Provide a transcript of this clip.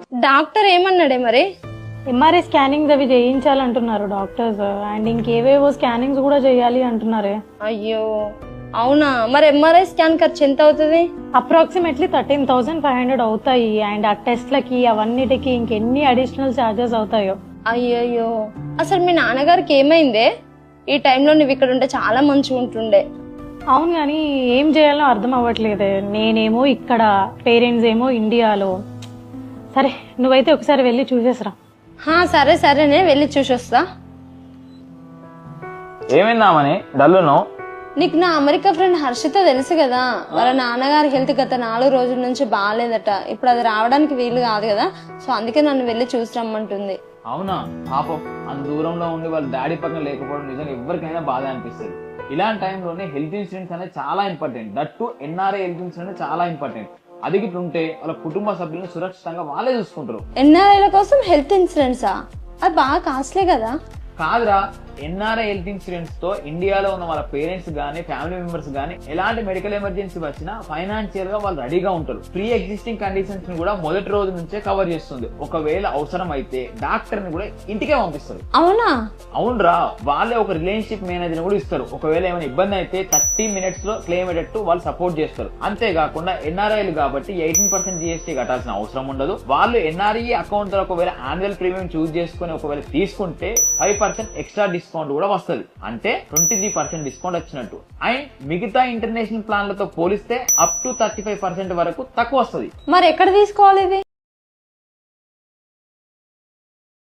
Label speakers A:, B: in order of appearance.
A: Doctor ఏమన్నాడే మరి?
B: MRI scannings అవి చేయించాలంటున్నారు డాక్టర్స్, అండ్ ఇంకేవేవో స్కానింగ్స్ కూడా చేయాలి అంటున్నారే.
A: అయ్యో అవునా? మరి ఎంఆర్ఐ స్కాన్ ఖర్చు ఎంత అవుతుంది?
B: అప్రాక్సిమేట్లీ 13,500 అవుతాయి. అండ్ ఆ టెస్ట్లకి అవన్నిటికి ఇంకెన్ని అడిషనల్ ఛార్జెస్ అవుతాయో.
A: అయ్యయ్యో, అసలు మీ నాన్నగారికి ఏమైందే? ఈ టైంలో నువ్వు ఇక్కడ ఉంటే చాలా మంచిగా ఉంటుండే.
B: అవును, కానీ ఏం చేయాలో అర్థం అవ్వట్లేదే. నేనేమో ఇక్కడ, పేరెంట్స్ ఏమో ఇండియాలో. సరే నువ్వైతే ఒకసారి వెళ్ళి చూసేసరా.
A: సరే సరేనే, వెళ్ళి చూసొస్తా.
C: ఏమైందామని డల్లును?
A: నీకు నా అమెరికా ఫ్రెండ్ హర్షిత తెలుసు కదా, వాళ్ళ నాన్నగారి హెల్త్ గత 4 రోజుల నుంచి బాగాలేదట. ఇప్పుడు అది రావడానికి వీలు కాదు కదా, సో అందుకే నన్ను వెళ్ళి చూసి రమ్మంటుంది.
C: అవునా? పాపం అంత దూరంలో ఉండి వాళ్ళ డాడీ పక్కన లేకపోవడం నిజంగా ఎవరికైనా బాధ అనిపిస్తుంది. ఇలాంటి టైంలోనే హెల్త్ ఇన్సూరెన్స్ అనేది చాలా important. That too NRI health insurance చాలా ఇంపార్టెంట్. అది ఉంటే వాళ్ళ కుటుంబ సభ్యులను సురక్షితంగా వాళ్ళే చూసుకుంటారు.
A: ఎన్ఆర్ఐల కోసం హెల్త్ ఇన్సూరెన్సా? అది బాగా కాస్ట్లీ కదా.
C: కాదురా, ఎన్ఆర్ఐ హెల్త్ ఇన్సూరెన్స్ తో ఇండియాలో ఉన్న వాళ్ళ పేరెంట్స్ గానీ ఫ్యామిలీ మెంబర్స్ గానీ ఎలాంటి మెడికల్ ఎమర్జెన్సీ వచ్చినా ఫైనాన్షియల్ గా వాళ్ళు రెడీగా ఉంటారు. ప్రీ ఎగ్జిస్టింగ్ కండిషన్స్ ని కూడా మొదటి రోజు నుంచే కవర్ చేస్తుంది. ఒకవేళ అవసరం అయితే డాక్టర్ ని కూడా ఇంటికే పంపిస్తారు.
A: అవునా?
C: అవునరా, వాళ్ళే ఒక రిలేషన్షిప్ మేనేజర్ కూడా ఇస్తారు. ఒకవేళ ఏమైనా ఇబ్బంది అయితే 30 minutes లో క్లెయిమ్ అయ్యేటట్టు వాళ్ళు సపోర్ట్ చేస్తారు. అంతేకాకుండా ఎన్ఆర్ఐలు కాబట్టి 18% GST కట్టాల్సిన అవసరం ఉండదు. వాళ్ళు ఎన్ఆర్ఐ అకౌంట్ ద్వారా ఒకవేళ యాన్యువల్ ప్రీమియం చూస్ చేసుకుని ఒకవేళ తీసుకుంటే 5% ఎక్స్ట్రా డిస్కౌంట్ కూడా వస్తుంది. అంటే 23% డిస్కౌంట్ వచ్చినట్టు. అండ్ మిగతా ఇంటర్నేషనల్ ప్లాన్లతో పోలిస్తే అప్ టు 35% వరకు తక్కువ వస్తుంది.
A: మరి ఎక్కడ తీసుకోవాలి ఇది?